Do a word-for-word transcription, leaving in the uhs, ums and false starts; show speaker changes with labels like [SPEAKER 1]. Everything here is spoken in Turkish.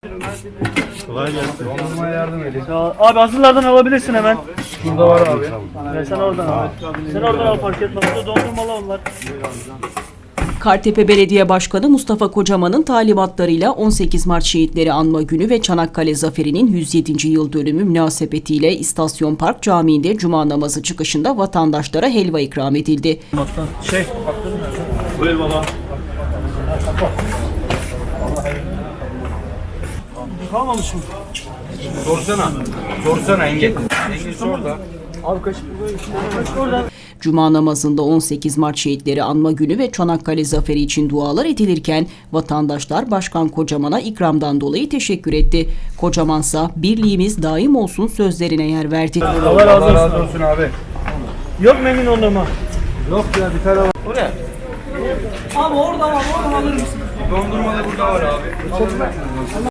[SPEAKER 1] Kolay gelsin.
[SPEAKER 2] Dondurmaya yardım edin.
[SPEAKER 3] Abi hazırlardan alabilirsin hemen.
[SPEAKER 2] Şurada var abi.
[SPEAKER 3] Ya sen oradan al. Sen oradan al, fark etmez. Burada dondurmalı onlar.
[SPEAKER 4] Kartepe Belediye Başkanı Mustafa Kocaman'ın talimatlarıyla on sekiz Mart Şehitleri Anma Günü ve Çanakkale Zaferi'nin yüz yedinci yıl dönümü münasebetiyle İstasyon Park Camii'nde Cuma namazı çıkışında vatandaşlara helva ikram edildi.
[SPEAKER 3] Şey.
[SPEAKER 1] Buyur baba.
[SPEAKER 3] Kalmamış mı?
[SPEAKER 2] Sorsana. Sorsana Engin. Engin sor da.
[SPEAKER 3] Abi kaşık kaşık oradan.
[SPEAKER 4] Cuma namazında on sekiz Mart Şehitleri Anma Günü ve Çanakkale Zaferi için dualar edilirken vatandaşlar Başkan Kocaman'a ikramdan dolayı teşekkür etti. Kocamansa birliğimiz daim olsun sözlerine yer verdi.
[SPEAKER 3] Allah razı olsun.
[SPEAKER 2] razı olsun abi.
[SPEAKER 3] Yok mu Engin dondurma?
[SPEAKER 2] Yok ya bir tane var.
[SPEAKER 3] Oraya. Abi oradan al, oradan alır mısın?
[SPEAKER 2] Dondurmalı burada var abi.